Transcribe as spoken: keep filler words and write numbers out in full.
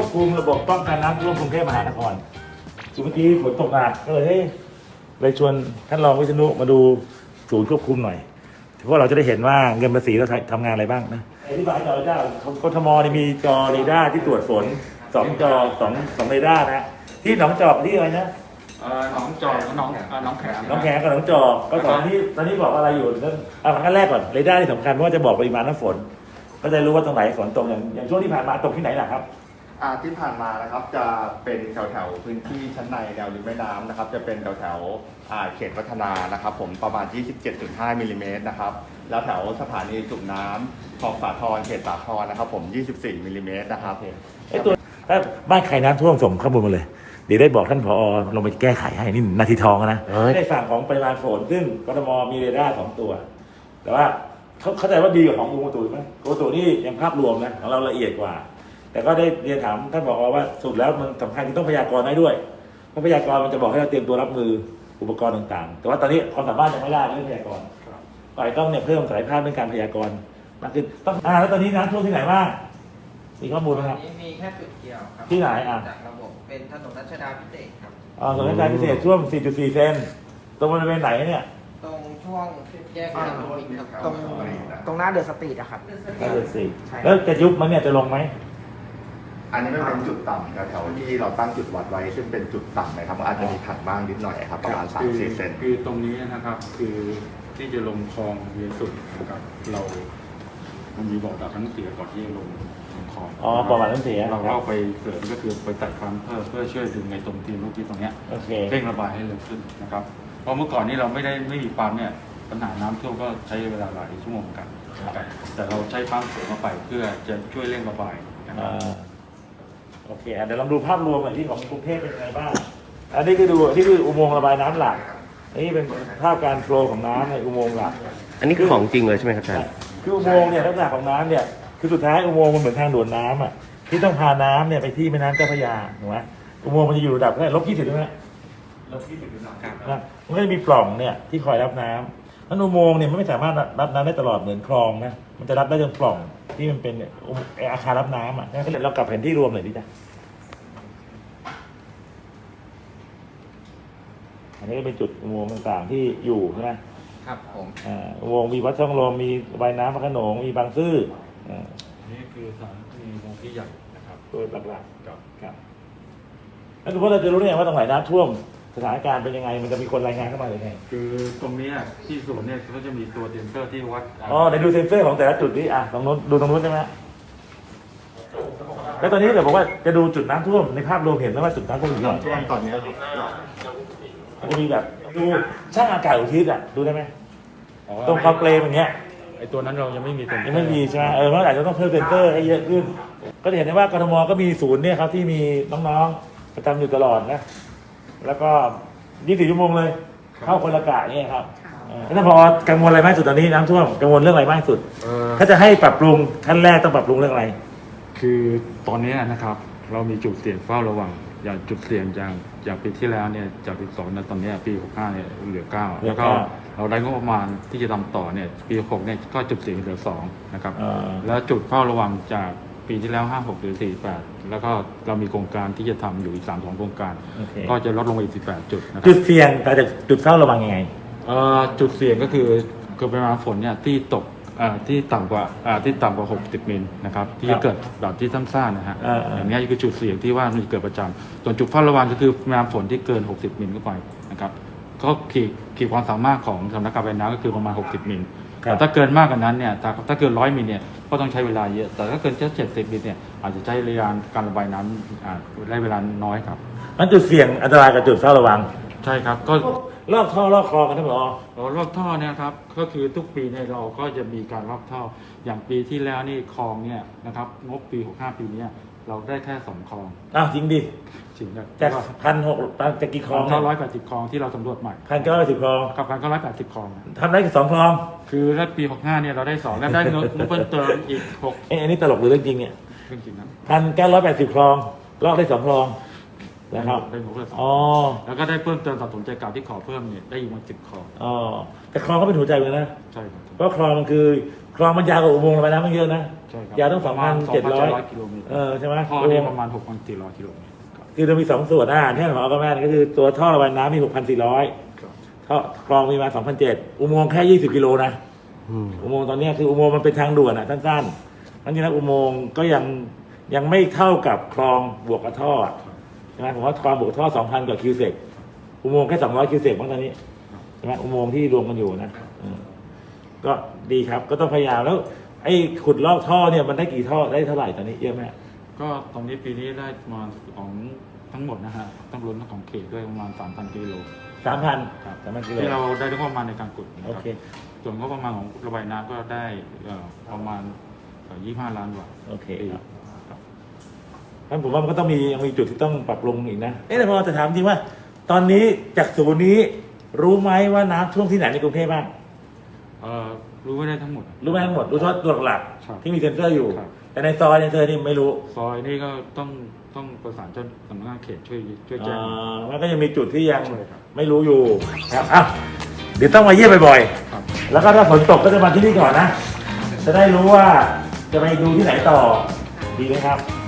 คุมระบบป้องกันน้ำท่วมกรุงเทพมหานครคือเมื่อกี้ฝนตกหนักก็เลยเฮ้ยเลยชวนท่านรองวิษณุมาดูศูนย์ควบคุมหน่อยเพราะเราจะได้เห็นว่าเงินภาษีเราทำงานอะไรบ้างนะอธิบายจอเจ้ากทมนี่มีจอเรดาร์ที่ตรวจฝนสองจอสองสองเรดาร์นะที่หนองจอกที่อะไรนะเออน้องจอกน้องเออน้องแขมน้องแขมกับน้องจอกก็ตอนที่ตอนนี้บอกอะไรอยู่นั่นเอาขั้นแรกก่อนเรดาร์ที่สำคัญเพราะว่าจะบอกปริมาณน้ำฝนก็จะรู้ว่าตรงไหนฝนตกอย่างอย่างช่วงที่ผ่านมาตกที่ไหนล่ะครับอ่าที่ผ่านมานะครับจะเป็นแถวแถวพื้นที่ชั้นในแนวริมแม่น้ำนะครับจะเป็นแถวแถวอ่าเขตวัฒนานะครับผมประมาณ ยี่สิบเจ็ดจุดห้า มิลลิเมตรนะครับแล้วแถวสถานีสูบน้ำคลองสาทรเขตสาทรนะครับผม ยี่สิบสี่ มิลลิเมตรนะครับไอ้ตัวถ้าบ้านใครน้ำท่วมส่งข้อมูลมาเลยเดี๋ยวได้บอกท่านผอลงไปแก้ไขให้นี่นาทีทองนะในฝั่งของปริมาณฝนซึ่งกทมมีเรดาร์สองตัวแต่ว่าเขาเข้าใจว่าดีกว่าของกรมอุตุไหมกรมอุตุนี่ยังภาพรวมนะของเราละเอียดกว่าแต่ก็ได้เรียนถามท่านผอว่าสุดแล้วมันสำคัญที่ต้องพยากรณ์ได้ด้วยเพราะพยากรณ์มันจะบอกให้เราเตรียมตัวรับมืออุปกรณ์ต่างๆแต่ว่าตอนนี้ความสามารถยังไม่ได้เรื่องพยากรณ์ฝ่ายต้องเนี่ยเพิ่มศักยภาพเรื่องการพยากรณ์มากขึ้นต้องอ่าแล้วตอนนี้น้ำท่วมที่ไหนบ้างมีข้อมูลไหมครับนี้มีแค่จุดเดียวครับที่ไหนอ่ะจากระบบเป็นถนนรัชดาพิเศษครับอ๋อถนนรัชดาพิเศษช่วง สี่จุดสี่ เซนตรงบริเวณไหนเนี่ยตรงช่วงแยกถนนมินครับตรงตรงหน้าเดอะสตรีทอะครับก็เลยสี่แล้วจะยุบมันเนี่ยจะลงไหมอันนี้ไม่เป็นจุดต่ำแถวที่เราตั้งจุดวัดไว้ซึ่งเป็นจุดต่ำนะครับอาจจะมีถัดบ้างนิดหน่อยครับประมาณ สามถึงสี่ เซนคือตรงนี้นะครับคือที่จะลงคลองเวียนสุดนะครับเรามันมีบอกดับทั้งเสียก่อนที่จะลงคลองอ๋อประวัติน้ำเสียเราเข้าไปเสริมก็คือไปตัดความเพิ่มเพื่อช่วยดึงในตรงทีมลูกที่ตรงเนี้ยเร่งระบายให้เร็วขึ้นนะครับเพราะเมื่อก่อนนี้เราไม่ได้ไม่มีปั๊มเนี่ยปัญหาน้ำท่วมก็ใช้เวลาหลายชั่วโมงกันแต่เราใช้ปั๊มเสริมเข้าไปเพื่อจะช่วยเร่งระบายนะครับโอเคเดี๋ยวลองดูภาพรวมหน่อยที่ของกรุงเทพเป็นยังไงบ้างอันนี้คือดูที่คืออุโมงค์ระบายน้ำหลักนี่เป็นภาพการโฟลว์ของน้ำในอุโมงค์หลักอันนี้คือของจริงเลยใช่ไหมครับอาจารย์คืออุโมงค์เนี่ยลักษณะของน้ำเนี่ยคือสุดท้ายอุโมงค์มันเหมือนทางด่วนน้ำอ่ะที่ต้องพาน้ำเนี่ยไปที่แม่น้ำเจ้าพระยาถูกไหมอุโมงค์มันจะอยู่ระดับแค่ลบยี่สิบใช่ไหมลบยี่สิบครับมันก็จะมีปล่องเนี่ยที่คอยรับน้ำนั้นอุโมงค์เนี่ยมันไม่สามารถรับน้ำได้ตลอดเหมือนคลองนะมันจะรับได้จนปล่องที่มันเป็นอาคารรับน้ำอ่ะงั้นเรากลับแผนที่รวมหน่อยดิจ้ะอันนี้ก็เป็นจุดอุโมงค์ต่างๆที่อยู่ใช่ไหมครับผมอ่าอุโมงค์มีวัดช่องลมมีระบายน้ำพระโขนงมีบางซื่ออ่านี่คือสถานที่อุโมงค์ที่ใหญ่นะครับโดยหลักๆครับแล้วคือว่าเราจะรู้ได้ไงว่าตรงไหนน้ำท่วมสถานการณ์เป็นยังไงมันจะมีคนรายงานเข้ามาหรือไงคือตรงนี้ที่ศูนย์เนี่ยเขาจะมีตัวเซนเซอร์ที่วัดอ๋อเดี๋ยวดูเซนเซอร์ของแต่ละจุดนี้อ่ะตรงนู้นดูตรงนู้นใช่ไหมแล้วตอนนี้เดี๋ยวบอกว่าจะดูจุดน้ำท่วมในภาพรวมเห็นแล้วว่าจุดน้ำท่วมอยู่ที่ไหนช่วงตอนนี้จะมีแบบดูช่างอากาศอุทิศอ่ะดูได้ไหมตรงคอเปลมอย่างเงี้ยไอตัวนั้นเรายังไม่มีเซนเซอร์ยังไม่มีใช่ไหมเออเมื่อไหร่จะต้องเพิ่มเซนเซอร์ให้เยอะขึ้นก็จะเห็นได้ว่ากทมก็มีศูนย์เนี่ยครับที่มีน้องๆประจำอยู่ตลอดนะแล้วก็ยี่สิบสี่ชั่วโมงเลยเข้าคนละกะเนี่ยครับแล้วถ้าพอกังวลอะไรมากสุดตอนนี้น้ำท่วมกังวลเรื่องอะไรมากสุดถ้าจะให้ปรับปรุงขั้นแรกต้องปรับปรุงเรื่องอะไรคือตอนนี้นะครับเรามีจุดเสี่ยงเฝ้าระวังอย่างจุดเสี่ยงอย่างอย่างปีที่แล้วเนี่ยจากสิบสองนะตอนนี้ปีหกห้าเนี่ยเหลือเก้าแล้วก็เราได้งบประมาณที่จะทำต่อเนี่ยปีหกเนี่ยก็จุดเสี่ยงเหลือสองนะครับแล้วจุดเฝ้าระวังจากปีที่แล้วห้าหกหรือสี่แปดแล้วก็เรามีโครงการที่จะทำอยู่อีกสามสองโครงการก็จะลดลงไปอีกสิบแปดจุดนะครับจุดเสี่ยงแต่จะจุดเฝ้าระวังยังไงจุดเสี่ยงก็คือคือปริมาณฝนเนี่ยที่ตกที่ต่ำกว่าที่ต่ำกว่าหกสิบมิลนะครับที่จะเกิดแบบที่ซ้ำซ่านะฮะอย่างนี้คือจุดเสี่ยงที่ว่ามันเกิดประจำส่วนจุดเฝ้าระวังก็คือปริมาณฝนที่เกินหกสิบมิลเข้าไปนะครับก็ขีดขีดความสามารถของสำนักการระบายน้ำก็คือประมาณหกสิบมิลแต่ถ้าเกินมากกว่านั้นเนี่ยถ้าเกินร้อยมิลเนี่ยก็ต้องใช้เวลาเยอะแต่ถ้าเกินแค่เจ็ดสิบมิลเนี่ยอาจจะใช้ระยะการระบายน้ำได้เวลาน้อยครับนั่นจุดเสี่ยงอันตรายกับจุดเฝ้าระวังใช่ครับก็ลอกท่อลอกคลองกันทั้งหมดอ๋อลอกท่อเนี่ยครับก็คือทุกปีเนี่ยเราก็จะมีการลอกท่ออย่างปีที่แล้วนี่คลองเนี่ยนะครับงบปีหกห้าปีนี้เราได้แค่สองคลองอ้าวจริงดิจริงครับจากพันหกจากกี่คลองเก้าร้อยแปดสิบคลองที่เราสำรวจใหม่พันเก้าร้อยสิบคลองกับพันเก้าร้อยแปดสิบคลองทำได้แค่สองคลองคือถ้าปีหกห้าเนี่ยเราได้สองแล้วได้เงินเพิ่มเติมอีกหกเอ้อันนี้ตลกหรือเรื่องจริงเนี่ยเรื่องจริงนะพันเก้าร้อยแปดสิบคลองลอกได้สองคลองนะครับได้หมดเลยสองอ๋อแล้วก็ได้เพิ่มเติมสะสมใจกลางที่ขอเพิ่มเนี่ยได้อีกมาสิบคลองอ๋อแต่คลองก็เป็นหัวใจเลยนะใช่ครับเพราะคลองมันคือคลองมันยาวกว่าอุโมงค์ระบายน้ำมันเยอะนะใช่ครับยาวต้องสองพันเจ็ดร้อยกิโลเมตรเออใช่ไหมท่อนี่ประมาณหกพันสี่ร้อยกิโลเมตรครับคือเรามีสองส่วนอ่าที่หมอก็แม่นก็คือตัวท่อระบายน้ำมีหกพันสี่ร้อยครับท่อคลองมีมาสองพันเจ็ดอุโมงค์แค่ยี่สิบกิโลนะอืมอุโมงค์ตอนเนี้ยคืออุโมงค์มันเป็นทางด่วนอ่ะสั้นๆนั่นจริงๆอุโมงค์ก็ยังยังไม่เท่ากับคลองบวกกับท่ออะใช่ไหมผมว่าคลองบวกกับท่อสองพันกว่าคิวเซกอุโมงค์แค่สองร้อยคิวเซกบ้างตอนนี้ใช่ไหมอุโมงค์ที่รวมกันอยู่นะเออก็ดีครับก็ต้องพยายามแล้ว ไอ้ขุดลอกท่อเนี่ยมันได้กี่ท่อได้เท่าไหร่ตอนนี้เยอะไหมก็ตรงนี้ปีนี้ได้ประมาณของทั้งหมดนะฮะต้องรวมทั้งของเขตด้วยประมาณสามพันกิโลสามพันครับสามพันกิโลที่เราได้งบประมาณในการขุดนะโอครับเคส่วนงบประมาณของระบายน้ำก็ได้เอ่อประมาณยี่สิบห้าล้านบาทโอเคปีครับงั้นผมว่ามันก็ต้องมียังมีจุดที่ต้องปรับปรุงอีกนะเอ๊ะแต่พอจะถามจริงว่า ตอนนี้จากศูนย์นี้รู้ไหมว่าน้ำท่วมที่ไหนในกรุงเทพบ้างเอ่อรู้ไม่ได้ทั้งหมดรู้ไหมทั้งหมดรู้เฉพาะตัวหลักครับๆที่มีเซ็นเซอร์อยู่ครับแต่ในซอยในเซอร์นี่ไม่รู้ซอยนี่ก็ต้องต้องประสานเจ้าสำนักงานเขตช่วยช่วยแจ้งอ่ามันก็ยังมีจุดที่ยังใช่ครับไม่รู้อยู่ครับอ่ะเดี๋ยวต้องมาเยี่ยมบ่อยครับๆแล้วก็ถ้าฝนตกก็จะมาที่นี่ก่อนนะ จะได้รู้ว่าจะไปดูที่ไหนต่อดีไหมครับ